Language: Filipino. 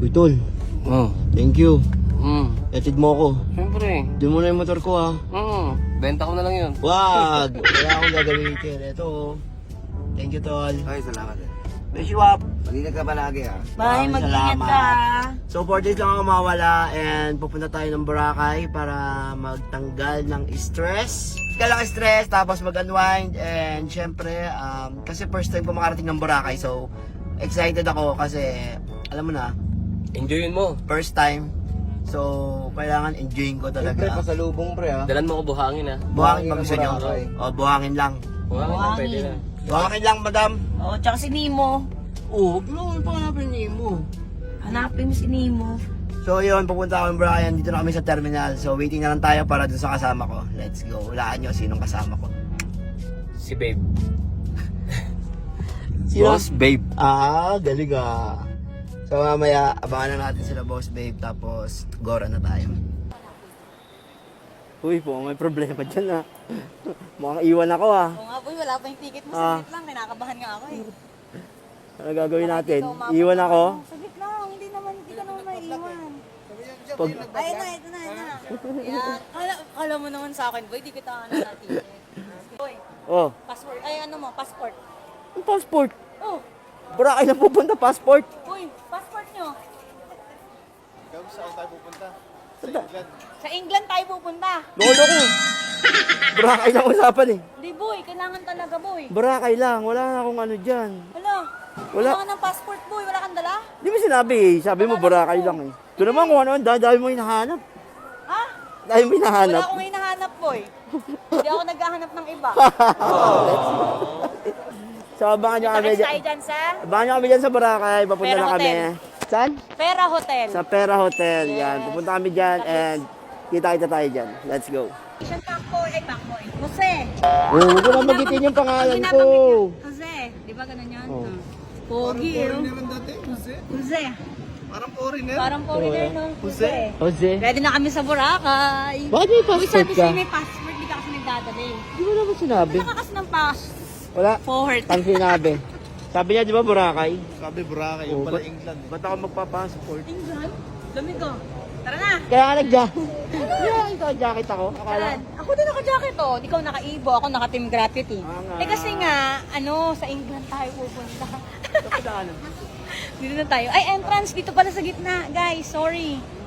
Uy, tol. Oh. Thank you. Mm. Etid mo ako. Siyempre. Doon mo na yung motor ko, ha. Benta ko na lang yun. Wag! Wala akong gagamitin. Ito, oh. Thank you, tol. Ay, salamat eh. Wish you up. Mag-ingat ka palagi ah. Bye, Maraming mag-ingat salamat. ka. So 4 days lang ako mawala and pupunta tayo ng Boracay para magtanggal ng stress. Kailang stress tapos mag-unwind and syempre kasi first time ko makarating ng Boracay so excited ako kasi alam mo na, Enjoyin mo. first time. So kailangan enjoying ko Pre, talaga. pasalubong pre ah. Dalan mo ko buhangin ha. Buhangin pag gusto nyo. Boracay. O, buhangin lang. Buhangin na pwede na. Buhangin lang, madam. Oh, tsaka si Nemo. Oo, gano'n pa hanapin niyo mo. Hanapin mo si Nemo. So yun, pupunta ako ng Brian, dito na kami sa terminal. So waiting na lang tayo para dun sa kasama ko. Let's go. Hulaan nyo sinong kasama ko. Si babe. Boss Babe. Ah, galing ah. So mamaya, abangan na natin sila Boss Babe, tapos gora na tayo. Uy po, may problema dyan ah. Mukhang iwan ako ah. Oo nga, boy, wala pa yung ticket mo. Ah. Saglit lang, kinakabahan nga ako eh. Ano gagawin natin? Ikaw, mama, Iwan ako? Saglit lang, hindi ka naman maiiwan. Pag... Ayun na, ito na. Yan. Kala mo naman sa akin, boy, di kita ano na ticket. Boy, Oh, passport. Ay, ano mo, passport. ang passport. Oh, Boracay na pupunta, passport. boy, passport nyo. Saan tayo pupunta? Sa England tayo pupunta. Lolo ko. Boracay lang usapan eh. Hindi, boy, kailangan talaga, boy. Boracay lang, wala na akong ano dyan. Wala. Wala. Kailangan ng passport, boy. Wala kang dala? Di mo sinabi eh, sabi mo Boracay lang eh. Ito naman kung ano, dahil mo hinahanap. Ha? Dahil mo Wala hinahanap. akong hinahanap, boy. Hindi ako naghahanap ng iba. So abangan nyo kami Next dyan. tayo dyan sa Abangan nyo kami dyan sa Boracay, papunta Pera na kami. Hotel. Saan? Pera Hotel. Sa Pera Hotel, yan. Pupunta kami dyan and kita tayo dyan. Let's go. Pakboy. Ay, Pakboy. Jose. Oh, huwag ko na magitin yung pangalan ko. Jose. Di ba ganun yan? Oh. Pogi, oh. Jose. Parang foreigner. Parang foreigner, no? Jose. Jose. Ready na kami sa Boracay. Bakit may Uy, passport sabi ka? sa'yo may passport, di ka kasi nagdadali. Di mo naman sinabi. Wala ka kasi ng pass. Wala. Forward. Ang sinabi. Sabi niya, di ba Boracay? Sabi Boracay, Oh, yung pala ba't- England eh. Ba't ako magpa-passport? England? Lamig ka. Tara na. Kaya nga nag-jacket. Yeah, ito jacket ako. Akala. Saan? Ako din naka-jacket, oh. Ikaw naka-Ibo, ako naka-Team Gravity. Ah, nga. Eh kasi nga, ano, sa England tayo pupunta. Ito, Dito na tayo. Ay, entrance dito pala sa gitna. Guys, sorry.